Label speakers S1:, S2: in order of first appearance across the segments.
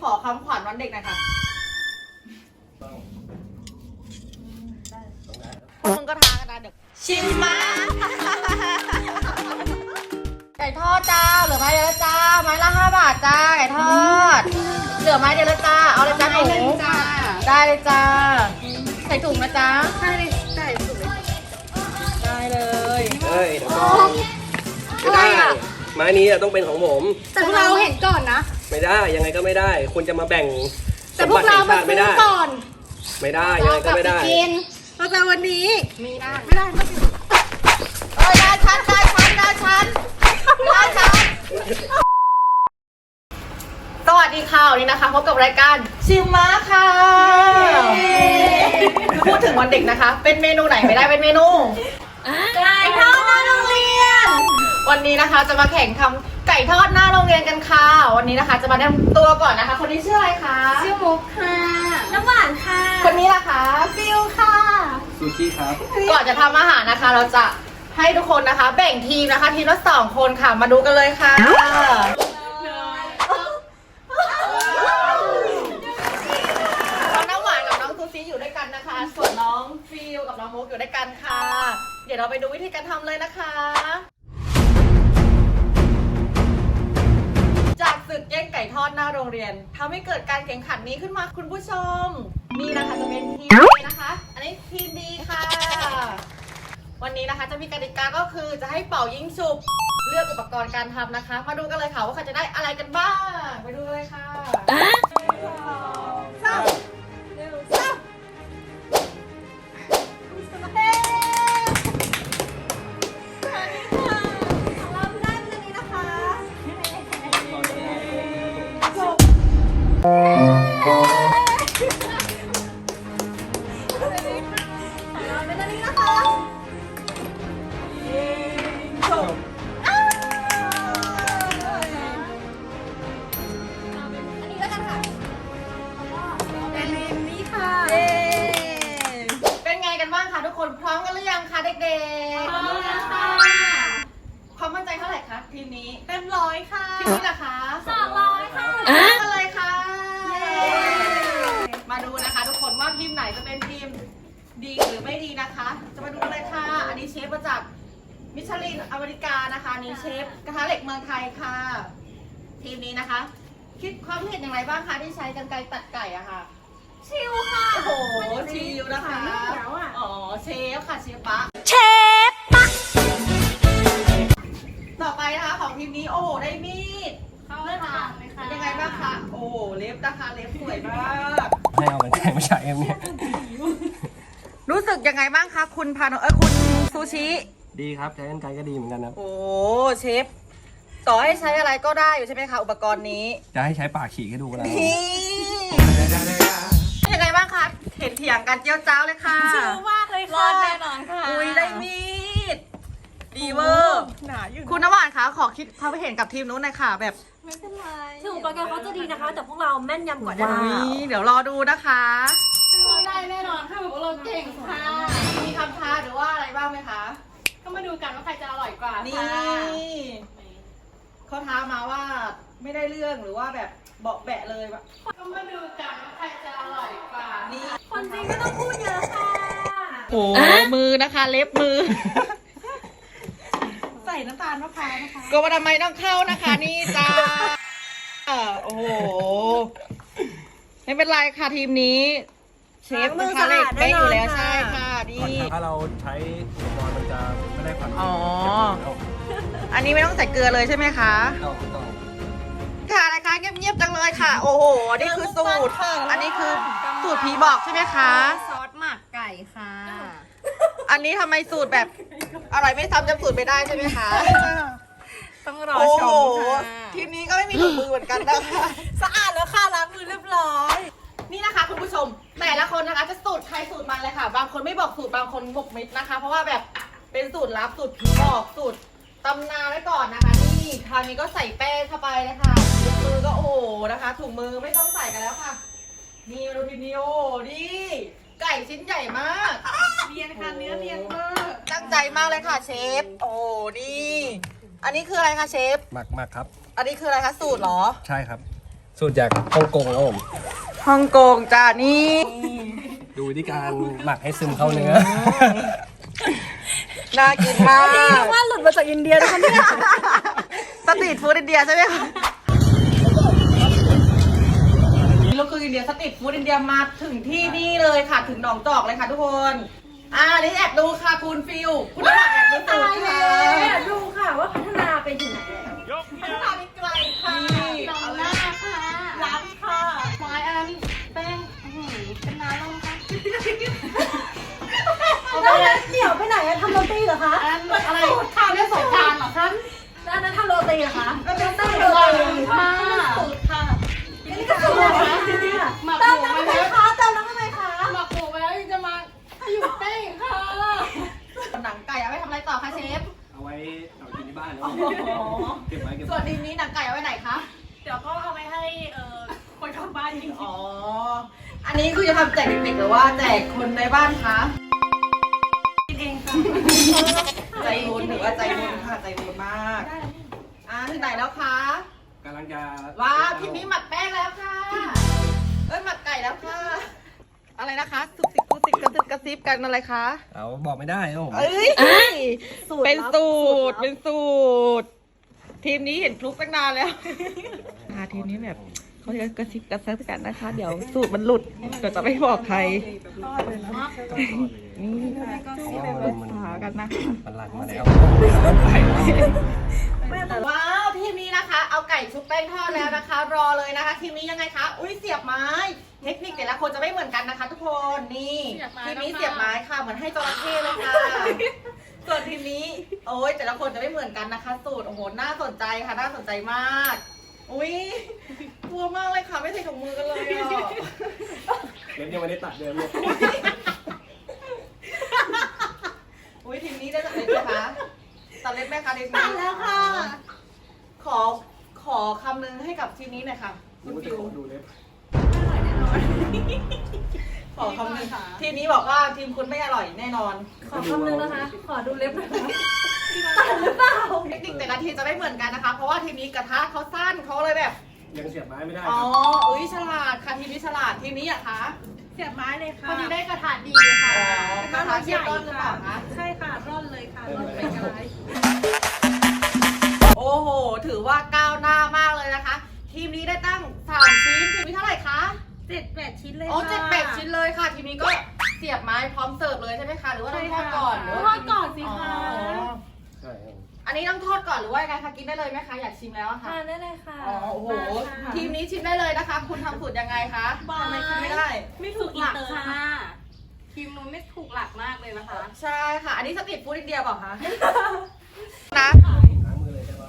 S1: อคำขวัญวันเด็กหน่อยค่ะมึงก็ท้ากันนะเดี๋ยวชิมมาไก่ทอดจ้าเหลือไม้เดียวแล้วจ้าไม้ละ5 บาทจ้าไก่ทอดเหลือไม้เดียวแล้วจ้าเอาเลยจ้าหนูได้เลยจ้าใส่ถุงนะจ้าใช่เลยใส่ถุงเลยได้เลย
S2: เฮ้ยเดี๋ยวก่อนไม่ได้ไม้นี้ต้องเป็นของผม
S3: แต่พวกเราเห็นก่อนนะ
S2: ไม่ได้ยังไงก็ไม่ได้คุณจะมาแบ่ง
S3: แต่พวกเรามาซื้อก่อน
S2: ไม่ได้ยังไงก็ไม่ได้
S3: เราจะวันนี้ไม่ได้
S1: ได้ชั้นสวัสดีค่ะวันนี้นะคะพบกับรายการชิมมาค่ะพูดถึงวันเด็กนะคะเป็นเมนูไหนไม่ได้เป็นเมนูไก่ทอดหน้าโรงเรียนวันนี้นะคะจะมาแข่งทำไก่ทอดหน้าโรงเรียนกันค่ะวันนี้นะคะจะมาแนะนำตัวก่อนนะคะคนนี้ชื่ออะไรคะ
S3: ชื่อมุกค่ะน้ำหวานค่ะ
S1: คนนี้ล่ะคะ
S3: ฟิวค่ะ
S2: ซูชิครับ
S1: ก่อนจะทำอาหารนะคะเราจะให้ทุกคนนะคะแบ่งทีมนะคะทีมละ2 คนค่ะมาดูกันเลยค่ะน้องน้ำหวานกับน้องซูซี่อยู่ด้วยกันนะคะส่วนน้องฟิวกับน้องมุกอยู่ด้วยกันค่ะเดี๋ยวเราไปดูวิธีการทำเลยนะคะจากศึกแย่งไก่ทอดหน้าโรงเรียนทำให้เกิดการแข่งขันนี้ขึ้นมาคุณผู้ชมนี่นะคะจะเป็นทีม A นะคะอันนี้ทีม B ค่ะวันนี้นะคะจะมีกติกาก็คือจะให้เป่ายิงฉุบเลือกอุปกรณ์การทำนะคะมาดูกันเลยค่ะว่าใครจะได้อะไรกันบ้างไปดูเลยค่ะทุกคนพร้อมกันหรือยังคะเด็กๆพร้อมแล้วค่ะความมั่นใจเท่าไหร่คะทีมนี้
S3: เต็ม100ค่ะ
S1: ทีมนี้ล่ะคะ
S3: 200ค่ะ
S1: กันเลยค่ะมาดูนะคะทุกคนว่าทีมไหนจะเป็นทีมดีหรือไม่ดีนะคะจะมาดูเลยค่ะอันนี้เชฟมาจากมิชลินอเมริกานะคะนี่เชฟกระทะเหล็กเมืองไทยค่ะทีมนี้นะคะคิดความเห็นอย่างไรบ้างคะที่ใช้กรรไกรตัดไก่อะค่ะ
S3: ชิวค่ะ
S1: โอ้โหชิวนะคะอ๋อเชฟค่ะเชฟปะต่อไปนะคะของทีมนี้โอ้โหได้มีด
S3: เลือดค่ะ
S1: เป็นยังไงบ้างคะโอ้โหเล็บนะคะเล็บสวยมาก
S2: ให้เอาไปแข่งไม่ใช่เอ็มเนี่ย
S1: รู้สึกยังไงบ้างคะคุณพาโนคุณซูชิ
S2: ดีครับใช้กรรไกรก็ดีเหมือนกันนะ
S1: โอ้เชฟต่อให้ใช้อะไรก็ได้อยู่ใช่ไหมคะอุปกรณ์นี้
S2: จะให้ใช้ปากฉีกให้ดูนะ
S1: ยังไงบ้างคะเห็นเถียงกันเจียวจ้าวเลยค่ะ
S3: ชิวมากเลยค่ะรอดแน่นอนค่ะ
S1: อุ้ยได้มีดดีเวอร์หนาอยู่คุณน้ำหวานคะขอคิดความเห็นกับทีมนู้นหน่อยค่ะแบบ
S3: ไม่เป็นไรถึงอุปกรณ์เขาจะดีนะคะแต่พวกเราแม่นยำกว่าได้
S1: เดี๋ยวรอดูนะคะ
S3: เราได้แน่นอนค่ะพวกเราเก่งค่ะ
S1: มีคำท้าหรือว่าอะไรบ้างไหมคะ
S3: ก็มาดูกันว่าใครจะอร่อยกว่า
S1: นี่เขาท้ามาว่าไม่ได้เรื่องหรือว่าแบบเบาะแบะเลยแบบ
S3: ก็มาดูกันว่าใครจะอร่อยกว่า
S1: นี่
S3: คนจริงไม่ต้องพูดเยอะค่ะ
S1: โอ้มือนะคะเล็บมือ
S3: ใส่น้ำตาลมะพร้าวนะคะ
S1: ก็ว่าทำไมต้องเข้านะคะนี่จ้าโอ้โหไม่เป็นไรค่ะทีมนี้เชฟมือสะอาดได้อยู่แล้วใช่ค่ะดี
S2: ถ้าเราใช้อุปกรณ์มันจะไม่ได้ความ
S1: อ๋ออันนี้ไม่ต้องใส่เกลือเลยใช่ไหมคะค่ะอะไรคะเงียบๆจังเลยค่ะโอ้โหนี่คือสูตรอันนี้คือสูตรผีบอกใช่ไหมคะ
S3: ซอสหมักไก่ค่ะ
S1: อันนี้ทำไมสูตรแบบอร่อยไม่ซ้ำจำสูตรไม่ได้ใช่ไหมคะ
S3: ต้องรอชมค่ะ
S1: ทีมนี้ก็ไม่มีถุงมือเหมือนกันนะคะ
S3: สะอาดแล้วค่ะล้างมือเรียบร้อย
S1: นี่นะคะคุณผู้ชมแต่ละคนนะคะจะสูตรใครสูตรมันเลยค่ะบางคนไม่บอกสูตรบางคนบกมิดนะคะเพราะว่าแบบเป็นสูตรลับสูตรผีบอกสูตรตำนานไว้ก่อนนะคะนี่คราวนี้ก็ใส่แป้งเข้าไปนะคะถุงมือก็โอ้นะคะถุงมือไม่ต้องใส่กันแล้วค่ะนี่มาดูทีนี้โอ้นี่ไก่ชิ้นใหญ่มาก
S3: เรียนค่ะเนื้อเรียนมาก
S1: ตั้งใจมากเลยค่ะเชฟโอ้นี่อันนี้คืออะไรคะเชฟ
S2: หมักครับ
S1: อันนี้คืออะไรคะสูตรเหรอ
S2: ใช่ครับสูตรจากฮ่องกงครับผม
S1: ฮ่องกงจ้านี่
S2: ดูวิธีการหมักให้ซึมเข้าเนื้อ
S1: น่ากินมาก
S3: ว่าหลุดมาจากอินเดียนะคะเนี่ย
S1: สตรีทฟู้ดอินเดียใช่ไหมคะเราคืออินเดียสตรีทฟู้ดอินเดียมาถึงที่นี่เลยค่ะ ถึงหนองจอกเลยค่ะทุกคนนี่แอบดูค่ะคุณฟิวคุณน้ำหนักแอบดูสูตรค่ะ
S3: ดูค่ะว่าพัฒนาไปถึงไหนแล้ว
S1: พัฒนาไปไกลค่ะเอาหน้าค่ะล้างค่ะไม้อันนั้นแป้งเป็นน้ำแล้วค่ะ
S3: แล้วเดี๋ยวไปไหนอะทำโรตีเหรอคะ
S1: อะไรข้าวเรียกสงกรานต์เหรอคะ
S3: แล้วอันนั้นทำโรตีเหรอคะ
S1: เป็นสูตรค่ะสูตรค่ะ
S3: นี่ก็สูตรเหรอคะเติมน้ำทำไมคะเติมน้ำทำไมคะ
S1: หมักหมูไปแล้วยังจะมาอยู่แป้งค่ะหนังไก่เอาไว้ทำอะไรต่อคะเชฟ
S2: เอาไว้กินที่บ้านเนาะเก็บไว้เก็บ
S1: ส่ว
S2: ไว้
S1: นดินนี้หนังไก่เอาไว้ไหนคะ
S3: เดี๋ยวก็เอาไปให้คนข้างบ้านกิน
S1: อ๋อ อันนี้คือจะทำแจกเด็กๆหรือว่าแจกคนในบ้านคะ
S3: กินเองค่ะ
S1: ใจบุญถือว่าใจบุญค่ะใจบุญมากถึงไหนแล้วคะ
S2: กำลังจะ
S1: ว้าวทีนี้หมักแป้งแล้วค่ะ หมักไก่แล้วค่ะ อะไรนะคะสุกสิกกุสิกกระซิบกระซิบกันอะไรคะ
S2: เอาบอกไม่ได้ครับผม
S1: เอ้ย เป็นสูตร เป็นสูตร ทีมนี้เห็นฟลุกตั้งนานแล้วทีมนี้แบบเขาจะกระซิบกระซิบกันนะคะ เดี๋ยวสูตรมันหลุดเดี๋ยวจะไม่บอกใครนี่มันหากันนะคะ
S2: มันหลังมาแล้ว
S1: ว้าวทีมนี้นะคะ เอาไก่ชุบแป้งทอดแล้วนะคะ รอเลยนะคะ ทีมนี้ยังไงคะ อุ้ยเสียบไม้ เทคนิคแต่ละคนจะไม่เหมือนกันนะคะ ทุกคนนี่ทีมนี้เสียบไม้ค่ะเหมือนให้จระเข้เลยค่ะ ส่วนทีมนี้โอ้ยแต่ละคนจะไม่เหมือนกันนะคะ สูตรโอ้โหน่าสนใจค่ะน่าสนใจมาก อุ้ยกลัวมากเลยค่ะไม่ใส่ถุงมือกันเลยอ่ะ
S2: เล็บยังไม่ได้ตัดเดิมเลย
S1: อุ้ยทีมนี้ได้ตัดเล็บไหมคะตัดเล็บไหมคะทีมนี้ตัดแล้วค่ะ ขอคำนึงให้กับทีมนี้หน่อยค่ะคุณฟิว
S2: ดูเล็บ
S1: ขอคำนึงทีมนี้บอกว่าทีมคุณไม่อร่อยแน่นอน
S3: ขอคำนึงนะคะ ขอดูเล็บหน่อยค่ะตัดหรือเปล่า
S1: เทคนิคแต่ละทีมจะไม่เหมือนกันนะคะ เพราะว่าทีมนี้กระทะเขาสั้นเขาเลยแบบ
S2: ยังเสียบไม้ไม่ได้
S1: อ๋ออุ้ยฉลาดค่ะทีมนี้ฉลาดทีมนี้อะคะ
S3: เสียบไม้เลยค่ะ
S4: พอดีได้กระถางดีค่ะ
S1: กระทะเชียบร้อนหรือเปล่าคะ
S4: ใช่ค่ะ ร่อนเลยค่ะ ร่อนเป็นกระไร
S1: โอ้โห ถือว่าก้าวหน้ามากเลยนะคะ ทีมนี้ได้ตั้ง3ชิ้นทีมนี้เท่าไหร่คะ
S4: 7-8 ชิ้นเลย
S1: อ๋อ
S4: ค่ะ
S1: 7-8 ชิ้นเลยค่ะ ทีมนี้ก็เสียบไม้พร้อมเสิร์ฟเลยใช่ไหมคะหรือว่าต้องทอดก่อนหรือ
S4: ท
S1: ว่า
S4: อดก่อนสิ
S1: อ๋อ
S4: คะ
S2: ใช่ครับ
S1: อันนี้ต้องทอดก่อนหรือว่ายังไงคะกินได้เลยไหมคะอยากชิมแล้วอะค่ะ
S3: ทานได้เลยค่ะ
S1: อ๋อโอ้โห
S4: มาค่ะ
S1: ทีมนี้ชิมได้เลยนะคะ คุณทำสูตรยังไงคะทำไมชิมไม่ได้
S4: ไม่ถูกหลักค่ะ ทีมนู้นไม่ถูกหลักมากเลยนะคะ
S1: ใช่ค่ะ อันนี้สตรีทฟู้ดอินเดียเปล่าคะ นะ
S2: ล้างมือเลยใช่ป่ะ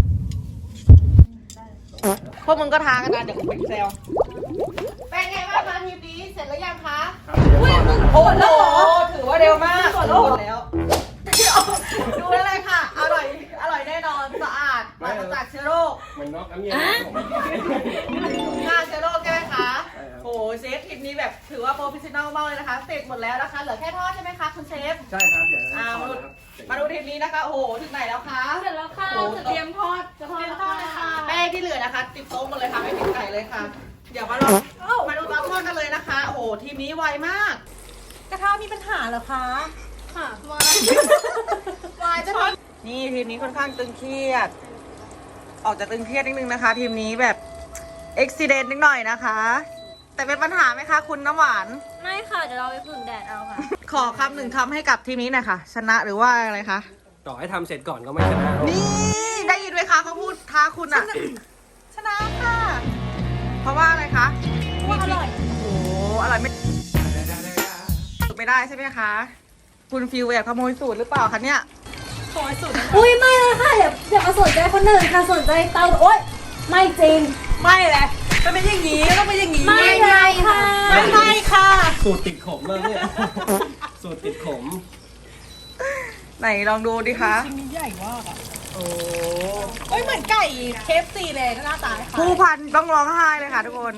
S1: พวกมึงก็ทากันนะเดี๋ยวกูไปแซวเป็นไงบ้างคะทีมนี้เสร็จแล้วยังคะ
S2: ครับเดี๋ยวก่อนนะครับ
S1: โอ้โหถือว่าเร็วมากหมดแล้วดูได้เลยค่ะ อร่อย อร่อยแน่นอน สะอาดปราศจากเชื้อโรค
S2: มันน็อกน้ำเย็นนะครับผม
S1: ฆ่าเชื้อโรคใช่ไหมคะ
S2: ใช่ครับ
S1: โอ้เชฟทีมนี้แบบถือว่าโปรเฟชชั่นอลมากเลยนะคะ เสร็จหมดแล้วนะคะ เหลือแค่ทอดใช่ไหมคะคุณเชฟ
S2: ใช่ครับเดี๋ยว
S1: มาดู
S2: นะครับ
S1: มาดูทีมนี้นะคะ โอ้โห ถึงไหนแล้วคะ
S4: เสร็จแล้วค่ะ จะเตรียมทอด จะเตรียมทอดเลยค่ะ
S1: แป้งที่เหลือนะคะ ติดโต๊ะหมดเลยค่ะ ไม่ติดไก่เลยค่ะ เดี๋ยวมาลองมาดูตอนทอดกันเลยนะคะ โอ้โห ทีมนี้ไวมาก
S3: กระทะมีปัญหาเหรอคะ
S4: ค่ะ
S1: วายจะทอดนี่ทีมนี้ค่อนข้างตึงเครียด ออกจากตึงเครียดนิดนึงนะคะ ทีมนี้แบบอุบิเหตุนิดหน่อยนะคะ แต่เป็นปัญหาไหมคะ คุณน้ำหวาน
S3: ไม่ค่ะ เดี๋ยวเราไปผึ่งแดดเอาค่ะ
S1: ขอคำหนึ่งทำให้กับทีมนี้หน่อยค่ะ ชนะหรือว่าอะไรคะ
S2: ต่อให้ทำเสร็จก่อนก็ไม่ชนะ
S1: นี่ได้ยินไหมคะเขาพูดท้าคุณอะชนะค่ะ เพราะว่าอะไรคะ
S3: ว่าอร่อย
S1: โอ้โหอร่อยไม่ได้ใช่ไหมคะ คุณฟิวแอบขโมยสูตรหรือเปล่าคะเนี่ย
S3: อุ้ยไม่เลยค่ะอย่ามาสนใจคนอื่นค่ะสนใจเตาโอ๊ยไม่จริง
S1: ไม่เลยมันเป็นอย่างนี้ต้องเป็นอย่างนี้
S3: ไม่เลยค่ะ
S1: ไม่ค่ะ
S2: สูตรติดขมมากเนี่ย สูตรติดขม
S1: ไหนลองดูดิคะ
S5: ชิ้นนี้ใหญ่มากอ่ะ
S1: โอ้
S5: เฮ้ยเหมือนไก่เคฟซีเลยหน้าตาค่ะ
S1: ผู้พันต้องร้องไห้เลยค่ะทุกคน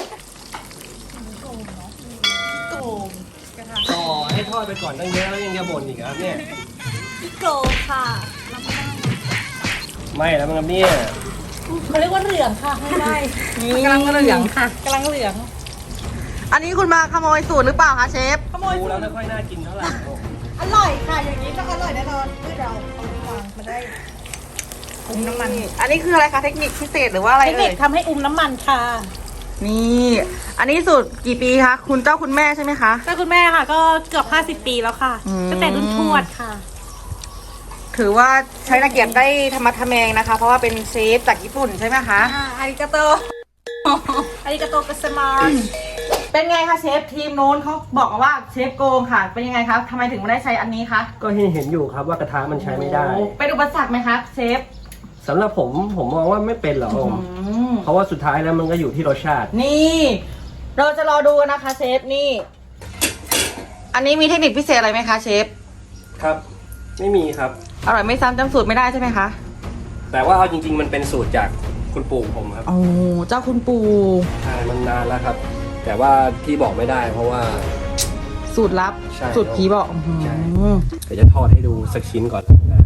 S5: โกง
S2: ต่อให้ทอดไปก่อนตั้งเยอะแล้วยังจะบ่นอีกครับเนี่ย
S3: โกรธค่ะ
S2: ไม่แล้วมั้งครับเนี่ย
S5: เขาเรียกว่าเหลืองค่ะไม่ได้
S1: กำลังเหลืองค่ะ
S5: กำลังเหลือง
S1: อันนี้คุณมาขโมยสูตรหรือเปล่าคะเชฟ
S5: ขโมย
S2: ดูแล้วไม่ค่อยน่ากินเท่าไหร่ครับผม
S5: อร่อยค่ะอย่างนี้ต้องอร่อยแน่นอนที่เราเอาวางมาได้อุ้มน้ำมัน
S1: อันนี้คืออะไรคะเทคนิคพิเศษหรือว่าอะไร
S5: เทคนิ
S1: เอ่
S5: ค
S1: ย
S5: ทำให้อุ้มน้ำมันค่ะ
S1: นี่ อันนี้สูตรกี่ปีคะคุณเจ้าคุณแม่ใช่ไหมคะ
S5: ก็คุณแม่ค่ะก็เกือบ50 ปีแล้วค่ะ
S1: อืม
S5: ตั้งแต่รุ่นทวดค่ะ
S1: ถือว่าใช้ตะเกียบได้ธรรมะทะแมงนะคะ เพราะว่าเป็นเชฟจากญี่ปุ่นใช่ไหมคะ
S5: อาริกาโตอาริกาโตกัสมา
S1: เป็นไงคะเชฟทีมโน้นเขาบอกมาว่าเชฟโกงค่ะ เป็นยังไงคะทำไมถึงไม่ได้ใช้อันนี้คะ
S2: ก็เห็นอยู่ครับว่ากระทะมันใช้ไม่ได้
S1: โอ้เป็นอุปสรรคไหมคะเชฟ
S2: สำหรับผมมองว่าไม่เป็นหรอกครับผม เพราะว่าสุดท้ายแล้วมันก็อยู่ที่รสชาติ
S1: นี่ เราจะรอดูนะคะเชฟนี่ อันนี้มีเทคนิคพิเศษอะไรไหมคะเชฟ
S2: ครับ ไม่มีครับ
S1: อร่อยไม่ซ้ำจำสูตรไม่ได้ใช่ไหมคะ
S2: แต่ว่าเอาจริง ๆ มันเป็นสูตรจากคุณปู่ผมครับ
S1: โอ้เจ้าคุณปู่
S2: ใช่มันนานแล้วครับ แต่ว่าที่บอกไม่ได้เพราะว่า
S1: สูตรลับ
S2: ใช่
S1: สูตรผีบอกอื้อหือ
S2: ใช่ เดี๋ยวจะทอดให้ดูสักชิ้นก่อนนะครับ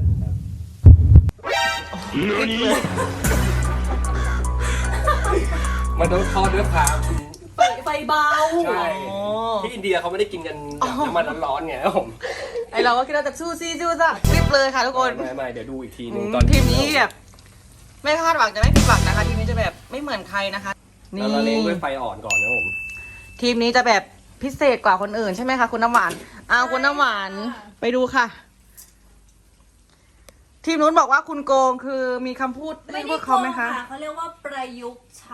S2: มันต้องทอดด้วยความ
S5: ไฟเบา
S2: ใช่ที่อินเดียเขาไม่ได้กินกันแบบน้ำมันร้อนๆไงครับผม
S1: ไอเราก็คิดว่าจะสู้ซี่สู้ซ่ารีบเลยค่ะทุกคน
S2: ไม่เดี๋ยวดูอีกทีหนึง
S1: อืม
S2: ตอน
S1: ทีมนี้แบบไม่คาดหวังจะไม่ผิดหวังนะคะ ทีมนี้จะแบบไม่เหมือนใครนะคะ
S2: เราละเลงด้วยไฟอ่อนก่อนนะผม
S1: ทีมนี้จะแบบพิเศษกว่าคนอื่นใช่ไหมคะคุณน้ำหวานอ้าวคุณน้ำหวานไปดูค่ะ ทีมนู้นบอกว่าคุณโกงคือมีคำพูดเรียกพวกเขาไหมคะ
S3: เขาเรียกว่าประยุกต์ใช้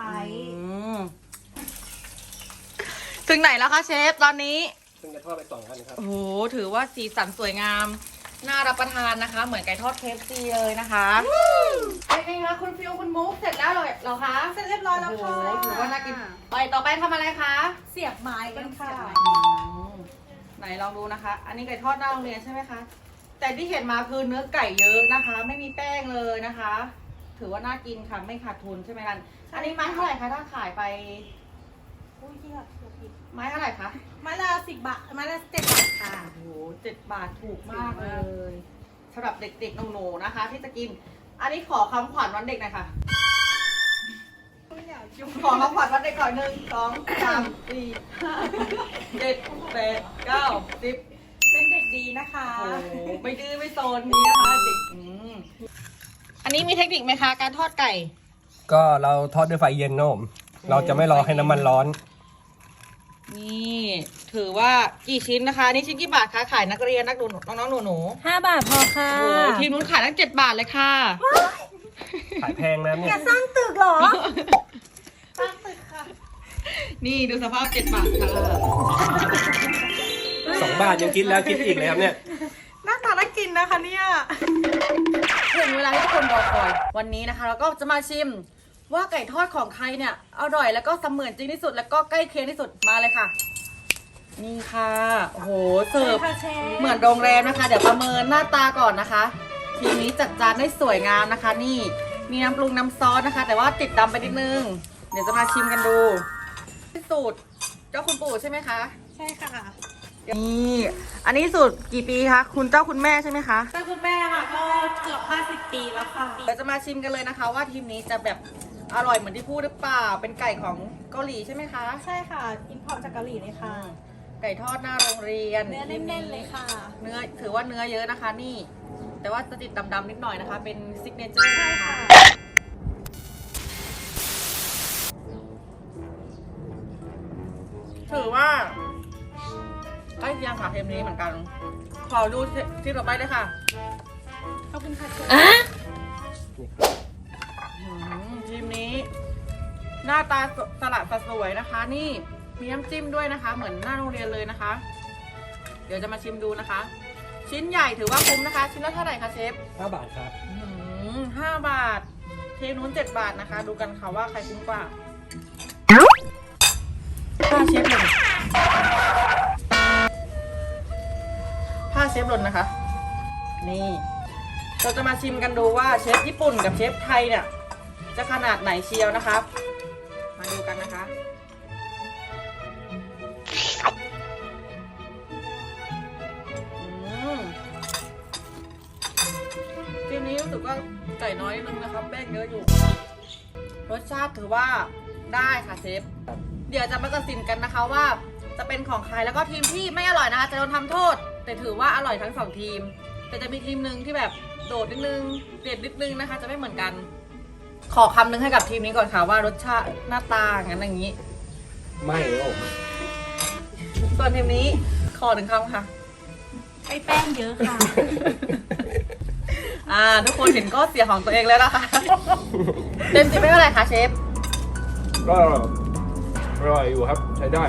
S1: ถึงไหนแล้วคะเชฟตอนนี้
S2: ซึ่งจะทอดไป2 อันครับ
S1: โอ้โหถือว่าสีสันสวยงาม น่ารับประทานนะคะ เหมือนไก่ทอดเคฟซีเลยนะคะเป็นไงคะคุณฟิวคุณมุกเสร็จแล้วเหรอคะ
S5: เสร็จเรียบร้อยแล้ว
S1: โอ้โห
S5: ค่ะ
S1: ถือว่าน่ากินไปต่อไปทำอะไรคะ
S5: เสียบไม้กันค่ะ
S1: ไหนลองดูนะคะ อันนี้ไก่ทอดหน้าโรงเรียนใช่ไหมคะ แต่ที่เห็นมาคือเนื้อไก่เยอะนะคะ ไม่มีแป้งเลยนะคะ ถือว่าน่ากินค่ะ ไม่ขาดทุนใช่ไหมกัน อันนี้ไม้เท่าไหร่คะถ้าขายไป
S5: อุ้ยเหี้ยเกือบผิด
S1: ไม้เท่าไหร่คะ
S5: ไม้ละ10 บาทไม้ละ7 บาทค่ะ
S1: โอ้โห7 บาทถูกมากเลยสำหรับเด็กๆหนูๆนะคะ ที่จะกิน อันนี้ขอคำขวัญวันเด็กหน่อยค่ะ ขอคำขวัญวันเด็กก่อน1 2 3 4 5 7 8 9 10
S5: เป็นเด็กดีนะคะ
S1: โอ้โหไม่ดื้อไม่โซนนี้นะคะเด็กอันนี้มีเทคนิคไหมคะ การทอดไก่
S2: ก็เราทอดด้วยไฟเย็นนะผมเราจะไม่รอให้น้ำมันร้อน
S1: นี่ถือว่ากี่ชิ้นนะคะนี่ชิ้นกี่บาทคะขายนักเรียนนักหนูน้องๆหนู
S3: 5 บาทพอค่ะ
S1: ๆโอ้โหทีมนู้นขายตั้ง7 บาทเลยค่ะ
S2: ขายแพงนะเนี่ย
S3: สร้างตึกเหรอ
S1: นี่ดูสภาพ7 บาทค่ะ
S2: 2 บาทยังคิดแล้วคิดอีกเลยครับเนี่ย
S1: หน้าตาน่ากินนะคะเนี่ยถึงเวลาที่ทุกคนรอคอยวันนี้นะคะ เราก็จะมาชิมว่าไก่ทอดของใครเนี่ยอร่อยแล้วก็เสมือนจริงที่สุดแล้วก็ใกล้เคียงที่สุดมาเลยค่ะ นี่ค่ะโอ้โหเสิร์ฟ
S3: ค่ะเชฟ
S1: เหมือนโรงแรมนะคะ เดี๋ยวประเมินหน้าตาก่อนนะคะ ทีนี้จัดจานได้สวยงามนะคะ นี่มีน้ำปรุงน้ำซอสนะคะ แต่ว่าติดดำไปนิดนึง เดี๋ยวจะมาชิมกันดูสูตรเจ้าคุณปู่ใช่ไหมคะ
S5: ใช่ค่ะ
S1: นี่อันนี้สูตรกี่ปีคะคุณเจ้าคุณแม่ใช่ไหมคะ
S5: แต่คุณแม่ค่ะก็เกือบ50 ปีแล้วค่ะ
S1: เดี๋ยวจะมาชิมกันเลยนะคะ ว่าทีมนี้จะแบบอร่อยเหมือนที่พูดหรือเปล่าเป็นไก่ของเกาหลีใช่ไหมคะ
S5: ใช่ค่ะ อินพอร์ตจากเกาหลีเลยค่ะ
S1: ไก่ทอดหน้าโรงเรียน
S5: เนื้อแน่นๆเลยค่ะ
S1: เนื้อถือว่าเนื้อเยอะนะคะนี่ แต่ว่าจะติดดำๆนิดหน่อยนะคะ เป็นซิกเนเจอร์
S5: ใช่
S1: นะคะ
S5: ค่ะ
S1: ถือว่าใกล้เคียงค่ะเทมนี้เหมือนกัน ขอดูที่ต่อไปเลยค่ะ
S5: ขอบคุณค่ะ
S1: ทีมนี้ หน้าตาสลัดสวยนะคะ นี่มีน้ำจิ้มด้วยนะคะ เหมือนหน้าโรงเรียนเลยนะคะ เดี๋ยวจะมาชิมดูนะคะ ชิ้นใหญ่ถือว่าคุ้มนะคะ ชิ้นละเท่าไหร่คะเชฟ
S2: 5 บาทครับ
S1: 5 บาท เทมนู้น7 บาทนะคะ ดูกันค่ะว่าใครคุ้มกว่าผ้าเชฟหล่นผ้าเชฟหล่นนะคะ นี่ เราจะมาชิมกันดูว่าเชฟญี่ปุ่นกับเชฟไทยเนี่ย จะขนาดไหนเชียวนะคะมาดูกันนะคะทีนี้รู้สึกว่าไก่น้อยนิดนึงนะครับแป้งเยอะอยู่สชาติถือว่าได้ค่ะเชฟ เดี๋ยวจะมาตัดสินกันนะคะว่าจะเป็นของใครแล้วก็ทีมที่ไม่อร่อยนะคะจะโดนทำโทษ แต่ถือว่าอร่อยทั้ง2ทีม แต่จะมีทีมหนึ่งที่แบบโดดนิดนึงเด็ดนิดนึงนะคะ จะไม่เหมือนกัน ขอคำนึงให้กับทีมนี้ก่อนค่ะว่ารสชาติหน้าตางั้นอย่างนี้
S2: ไม่โอ้
S1: ส่วนทีมนี้ขอ1คำค่ะ
S4: ไอ้แป้งเยอะค่ะ
S1: ทุกคนเห็นก็เสียของตัวเองแล้วนะคะ เต็ม10ไม่เท่าไหร่คะเชฟ
S2: ก็อร่อยอยู่ครับใช้ได้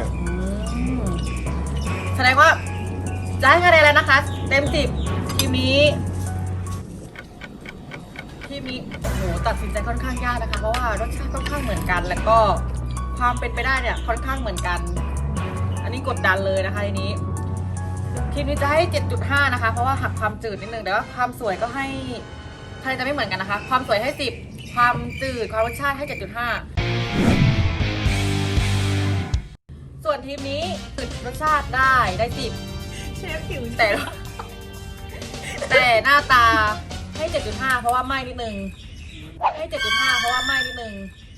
S1: แสดงว่าจะให้คะแนนแล้วนะคะ เต็ม10ทีมนี้โอ้โหตัดสินใจค่อนข้างยากนะคะ เพราะว่ารสชาติค่อนข้างเหมือนกัน แล้วก็ความเป็นไปได้เนี่ยค่อนข้างเหมือนกัน อันนี้กดดันเลยนะคะทีนี้ทีมนี้จะให้ 7.5 นะคะ เพราะว่าหักความจืดนิดนึงแต่ว่าความสวยก็ให้คะแนนจะไม่เหมือนกันนะคะ ความสวยให้10ความจืดความรสชาติให้ 7.5 ส่วนทีมนี้จืดรสชาติได้10
S4: เชฟผิว
S1: แต่หน้าตาให้ 7.5 เพราะว่าไหม้นิดนึงให้ 7.5 เพราะว่าไหม้นิดนึง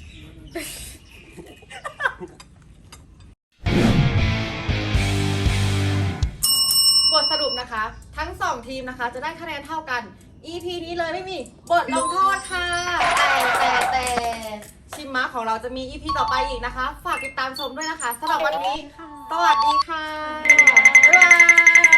S1: บทสรุปนะคะ ทั้ง2ทีมนะคะจะได้คะแนนเท่ากัน EP นี้เลยไม่มีบทลงโทษค่ะ แต่ชิมม้าของเราจะมี EP ต่อไปอีกนะคะ ฝากติดตามชมด้วยนะคะสำหรับวันนี้ สวัสดีค่ะ บ๊ายบาย